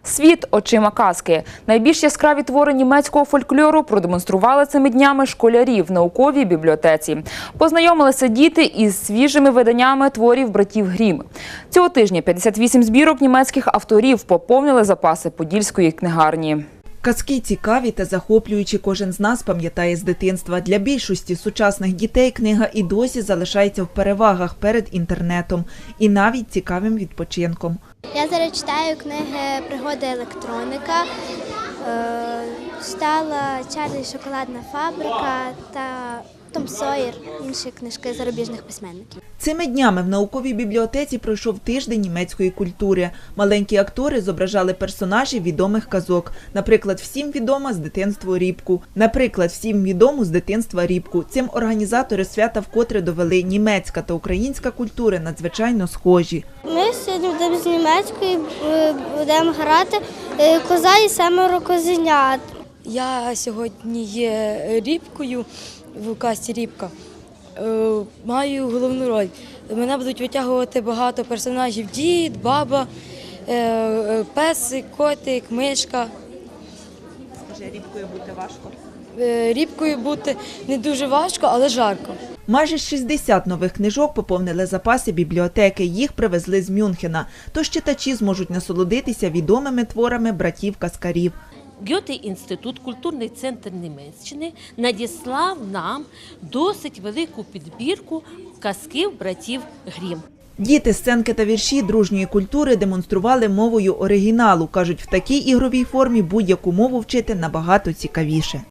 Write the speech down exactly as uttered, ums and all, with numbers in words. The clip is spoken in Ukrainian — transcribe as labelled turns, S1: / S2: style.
S1: Світ очима казки. Найбільш яскраві твори німецького фольклору продемонстрували цими днями школярі в науковій бібліотеці. Познайомилися діти із свіжими виданнями творів братів Грім. Цього тижня п'ятдесят вісім збірок німецьких авторів поповнили запаси Подільської книгарні.
S2: Казки цікаві та захоплюючі, кожен з нас пам'ятає з дитинства. Для більшості сучасних дітей книга і досі залишається в перевагах перед інтернетом і навіть цікавим відпочинком.
S3: Я зараз читаю книги «Пригоди електроніка», читала «Чарлі і шоколадна фабрика» та «Том Сойер», інші книжки зарубіжних письменників.
S2: Цими днями в науковій бібліотеці пройшов тиждень німецької культури. Маленькі актори зображали персонажів відомих казок. Наприклад, всім відома з дитинства Рібку. Наприклад, всім відому з дитинства Рібку. Цим організатори свята вкотре довели, німецька та українська культури надзвичайно схожі.
S3: Ми сьогодні будемо з німецької будемо грати «Коза і семеро козенят».
S4: Я сьогодні є Рібкою в казці «Рібка». Маю головну роль. Мене будуть витягувати багато персонажів: дід, баба, песик, котик, мишка.
S2: Скажи, Рібкою бути важко?
S4: Рібкою бути не дуже важко, але жарко.
S2: Майже шістдесят нових книжок поповнили запаси бібліотеки. Їх привезли з Мюнхена. Тож читачі зможуть насолодитися відомими творами братів-казкарів.
S5: Гьоте-інститут, культурний центр Німеччини, надіслав нам досить велику підбірку казків братів Грім.
S2: Діти сценки та вірші дружньої культури демонстрували мовою оригіналу. Кажуть, в такій ігровій формі будь-яку мову вчити набагато цікавіше.